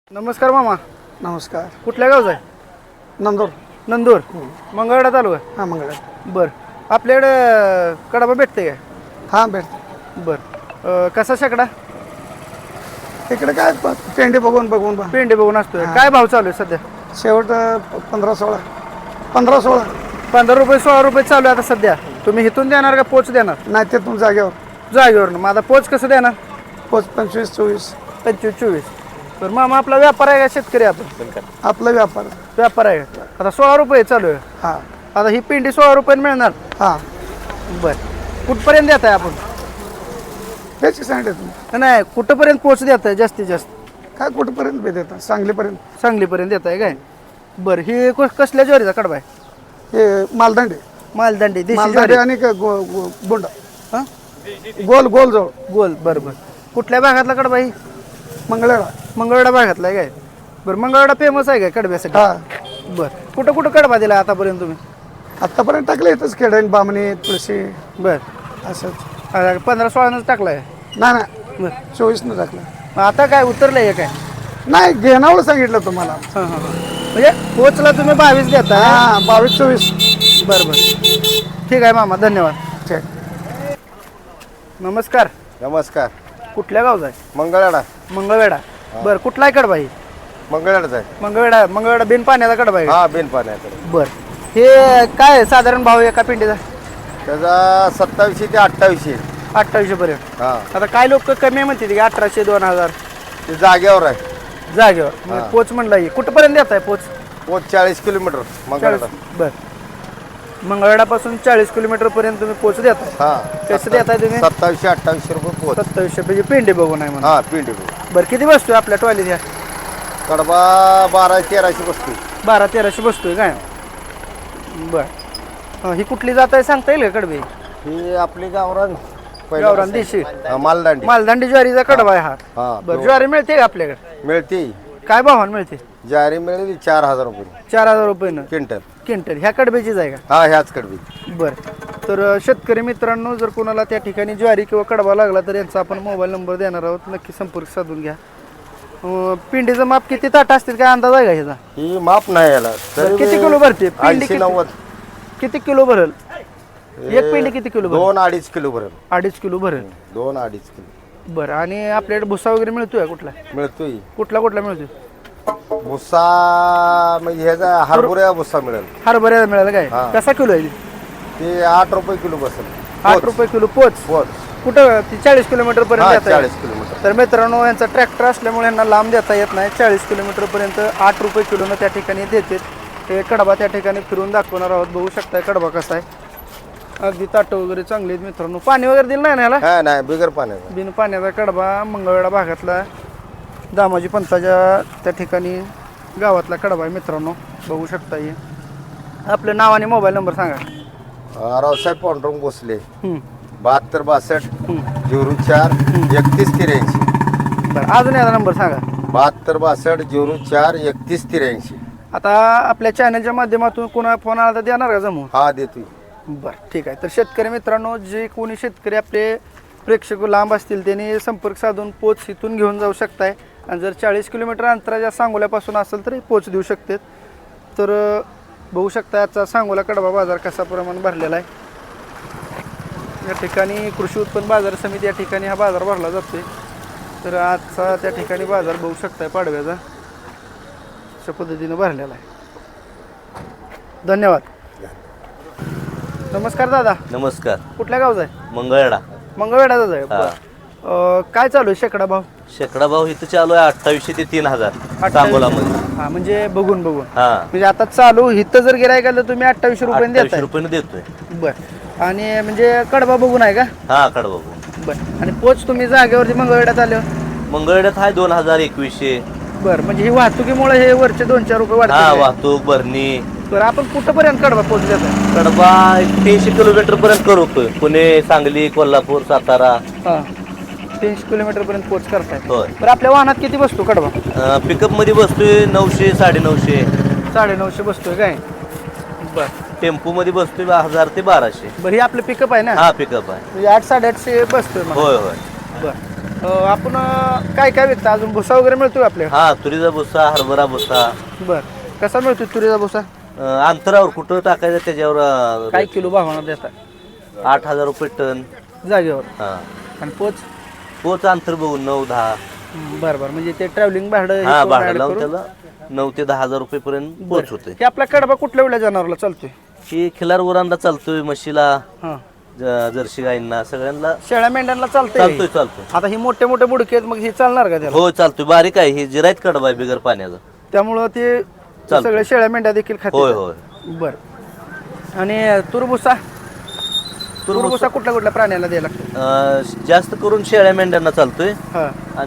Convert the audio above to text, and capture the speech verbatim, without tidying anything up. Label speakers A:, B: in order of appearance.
A: नमस्कार मामा.
B: नमस्कार.
A: कुठल्या गावचा आहे?
B: नंदूर.
A: नंदूर. मंगळवेढा तालुका.
B: हां मंगळ.
A: बरं. आपल्याकडे कडबा भेटते काय?
B: हां भेट.
A: बरं. कसा शेकडा?
B: इकडे काय प- पेंडी बघून बघून बघ.
A: पेंडे बघून असतोय. काय भाव चालू आहे सध्या?
B: शेवट प- पंधरा सोळा पंधरा सोळा
A: पंधरा रुपये सोळा रुपये चालू आहे आता सध्या. तुम्ही इथून देणार का पोच देणार?
B: नाही ते तुम जागेवर
A: जागेवर मग आता पोच कसं देणार?
B: पोच पंचवीस चोवीस.
A: पंचवीस चोवीस. तर मामा आपला व्यापार आहे का शेतकरी? आपण
B: आपला व्यापार.
A: व्यापार आहे का? आता सोळा रुपये चालू आहे.
B: हां
A: आता ही पेंडी सोळा रुपये मिळणार.
B: हां
A: बरं. कुठपर्यंत देत आहे आपण?
B: त्याची सांगते तुम्ही
A: नाही, कुठंपर्यंत पोच देत आहे जास्तीत जास्त?
B: काय कुठंपर्यंत बी देता सांगलीपर्यंत.
A: सांगलीपर्यंत देत आहे काय? बरं. ही कस- कसल्या ज्वारीचा कडबा आहे?
B: हे मालदांडे.
A: मालदंडी देशी
B: मालदांडे
A: ज्वारी.
B: आणि का गो- गो- बोंडा
A: हां
B: गोल गोल जवळ
A: गोल. बरं बरं. कुठल्या भागातला कडबा ही?
B: मंगळवेढा.
A: मंगळवेढा भागातला आहे काय? बरं. मंगळवेढा फेमस आहे काय कडब्यासाठी?
B: हां
A: बरं. कुठं कुठं कडबा दिला आतापर्यंत तुम्ही?
B: आत्तापर्यंत टाकले इथंच खेडेन बामणी तुळशी
A: बरं.
B: असंच.
A: आता पंधरा सोळानंच टाकला आहे.
B: नाही नाही
A: बरं.
B: चोवीसनं टाकलं.
A: मग आता काय उतरलं आहे काय?
B: नाही घेणावं सांगितलं तुम्हाला.
A: हां हां हां. म्हणजे पोचला तुम्ही बावीस देता?
B: हां बावीस चोवीस.
A: बरं बरं. ठीक आहे मामा, धन्यवाद.
B: ठीक.
A: नमस्कार.
C: नमस्कार.
A: कुठल्या गावचा आहे?
C: मंगळवेढा.
A: मंगळवेढा. बरं. कुठला आहे कडबा ही?
C: मंगळवेढाच आहे.
A: मंगळवेढा. मंगळवेढा बिन पाण्याचा कडबा आहे.
C: हा बिन पाण्याकडे.
A: बरं. हे काय आहे साधारण भाव एका पिंडीचा?
C: त्याचा सत्तावीसशे ते अठ्ठावीसशे.
A: अठ्ठावीसशे पर्यंत.
C: हा
A: आता काय लोक कमी म्हणते की अठराशे दोन हजार
C: ते जागेवर आहे.
A: जागेवर. मग पोच म्हणला ही कुठपर्यंत देत आहे पोच?
C: पोच चाळीस किलोमीटर मंगळवेढा.
A: बर. मंगळवेढापासून चाळीस किलोमीटर पर्यंत तुम्ही पोच देता.
C: हा
A: कसं देताय तुम्ही?
C: सत्तावीसशे अठ्ठावीसशे रुपये पोच.
A: सत्तावीसशे म्हणजे पेंडे बघून आहे म्हणून.
C: हा पिंडी.
A: बरं. किती बसतोय आपल्या टॉयलेट ह्या?
C: कडबा बारा तेराशे बसते.
A: बारा तेराशे बसतोय काय? बर. हं, ही कुठली जात आहे सांगता येईल का कडबी?
C: ही आपली गावरान
A: गावरान देशी
C: हा, मालदांडी.
A: मालदांडी ज्वारीचा कडबा आहे हा.
C: हा
A: बरं. ज्वारी मिळते का आपल्याकडे?
C: मिळते.
A: काय भावानं मिळते?
C: ज्वारी मिळेल चार हजार रुपये
A: चार हजार रुपयेनं
C: क्विंटल.
A: क्विंटल. ह्या कडब्याचीच आहे का?
C: हा ह्याच कडबी.
A: बरं. तर अ, शेतकरी मित्रांनो, जर कोणाला त्या ठिकाणी ज्वारी किंवा कडबा लागला तर यांचा आपण मोबाईल नंबर देणार आहोत. नक्की संपर्क साधून घ्या. अ, पिंडीचं माप किती ताट असतील काय अंदाज आहे का ह्याचा?
C: ही माप नाही याला.
A: बरं, किती किलो भरते पिंडी?
C: ऐंशी
A: किती-
C: नव्वद.
A: किती किलो भरल एक पिंडी? किती किलो भरल?
C: दोन अडीच किलो भरेल.
A: अडीच किलो भरल.
C: दोन अडीच किलो
A: बरं. आणि आपल्याकडे भुसा वगैरे मिळतोय का कुठला?
C: मिळतोय.
A: कुठला कुठला मिळतोय?
C: भुसा म्हणजे ह्याचा हरभरा भुसा मिळेल.
A: हरभऱ्याला मिळालं काय?
C: हा.
A: कसा किलो आहे?
C: ते आठ रुपये किलो बसेल.
A: आठ रुपये किलो पोच.
C: पोच.
A: कुठं? ती चाळीस किलोमीटर
C: हा
A: पर्यंत देता
C: चाळीस
A: येईल.
C: किलोमीटर.
A: तर मित्रांनो, यांचा ट्रॅक्टर असल्यामुळे यांना लांब देता येत नाही. चाळीस किलोमीटर पर्यंत आठ रुपये किलोनं त्या ठिकाणी देते. ते कडबा त्या ठिकाणी फिरून दाखवणार आहोत. बघू शकताय कडबा कसा आहे. अगदी ताटं वगैरे चांगली आहेत मित्रांनो. पाणी वगैरे दिलं नाही ना याला?
C: हा नाही बिगर पाण्याचा.
A: बिन पाण्याचा कडबा मंगळवेढा भागातला दामाजी पंथाच्या त्या ठिकाणी गावातला कडबा आहे मित्रांनो. बघू शकता. हे आपलं नाव आणि मोबाईल नंबर सांगा.
C: अं, रावसाहेब पांडुरंग भोसले.
A: हं,
C: बहात्तर बासष्ट
A: हं.
C: झिरो चार एकतीस त्र्याऐंशी.
A: बरं. अजून याचा नंबर सांगा.
C: बहात्तर बासष्ट झिरो चार एकतीस त्र्याऐंशी.
A: आता आपल्या चॅनलच्या माध्यमातून कोणा फोन आला तर देणार का जमून?
C: हा देतोय.
A: बरं. ठीक आहे. तर शेतकरी मित्रांनो, जे कोणी शेतकरी आपले प्रेक्षक लांब असतील त्यांनी संपर्क साधून पोच इथून घेऊन जाऊ शकताय. आणि जर चाळीस किलोमीटर अंतराच्या सांगोल्यापासून असेल तर पोच देऊ शकते. तर अ, बघू शकता आजचा सांगोला कडबा बाजार कसा प्रमाण भरलेला आहे. या ठिकाणी कृषी उत्पन्न बाजार समिती या ठिकाणी हा बाजार भरला जातोय. तर आजचा त्या ठिकाणी बाजार बघू शकताय पाडव्याचा अशा पद्धतीनं भरलेला आहे. धन्यवाद. नमस्कार दादा.
D: नमस्कार.
A: कुठल्या गावचा आहे?
D: मंगळवेढा.
A: मंगळवेढाचाच आहे.
D: हा.
A: बरं. अ, काय चालू आहे शेकडा भाव?
D: शेकडा भाव इथं चालू आहे अठ्ठावीसशे ते तीन हजार सांगोलामध्ये.
A: हा म्हणजे बघून बघून
D: हा
A: म्हणजे आता चालू इथं जर गिरायक आलं तुम्ही अठ्ठावीसशे रुपये
D: अठ्ठावीसशे
A: देताय.
D: रुपयाने देतोय.
A: बर. आणि म्हणजे कडबा बघून आहे का?
D: हा कडा बघू.
A: बर. आणि पोच तुम्ही जागेवरती मंगळवेढ्यात आले?
D: मंगळवेढ्यात आहे दोन हजार एकवीसशे.
A: बर. म्हणजे ही वाहतुकीमुळे हे वरचे दोन चार रुपये
D: हा
A: वाढतात.
D: वाहतूक भरणी.
A: बरं. आपण कुठंपर्यंत कडबा पोच देताय?
D: कडबा तीनशे किलोमीटर पर्यंत करतोय. पुणे, सांगली, कोल्हापूर, सातारा.
A: हा. तीनशे किलोमीटर पर्यंत पोच करताय.
D: होय.
A: बरं. आपल्या वाहनात किती बसतो कडबा?
D: पिकअप मध्ये बसतोय नऊशे साडेनऊशे.
A: साडेनऊशे बसतोय काय? बर.
D: टेम्पो मध्ये बसतोय हजार ते बाराशे.
A: बरं. हे आपलं पिकअप आहे ना?
D: हा पिकअप आहे.
A: म्हणजे आठ साडेआठशे बसतोय मला.
D: होय होय.
A: बरं. अं, आपण अं, काय काय विकता अजून भुसा वगैरे मिळतो का आपल्या
D: हा तुरीचा भुसा हरभरा भुसा
A: बर कसा मिळतो तुरीचा भुसा
D: अं, अंतरावर कुठं टाकायचं त्याच्यावर अं,
A: काय किलो भावानं देता
D: आठ हजार रुपये टन.
A: जागेवर
D: हा
A: आणि पोच
D: पोच अंतर बघून नऊ दहा.
A: बरं बरं म्हणजे ते ट्रॅव्हलिंग भाडं हे
D: हा
A: करून
D: भाडं
A: add
D: लावून
A: करून-
D: त्याला नऊ ते दहा हजार रुपये पर्यंत पोच होते.
A: हे आपला कडबा कुठल्या वेळेला जनावरला चालतोय
D: ही खिलार उरांना चालतोय, म्हशीला,
A: हा
D: ज- जर्सी गाईंना सगळ्यांना
A: शेळ्या मेंढ्यांना चालतंय
D: चालतोय चालतोय.
A: आता ही मोठे मोठे बुडके आहेत मग हे चालणार का त्याला
D: हो चालतोय. बारीक आहे ही जिरायत कडबा आहे बिगर पाण्याचं.
A: त्यामुळं ते
D: चालतंय.
A: सगळे शेळ्या मेंढ्या देखील खाते
D: होय होय.
A: बरं आणि तुरभुसा तुरभुसा कुठल्या कुठल्या प्राण्याला द्यायला लागतो
D: अं, जास्त करून शेळ्या मेंढ्यांना चालतोय.
A: हा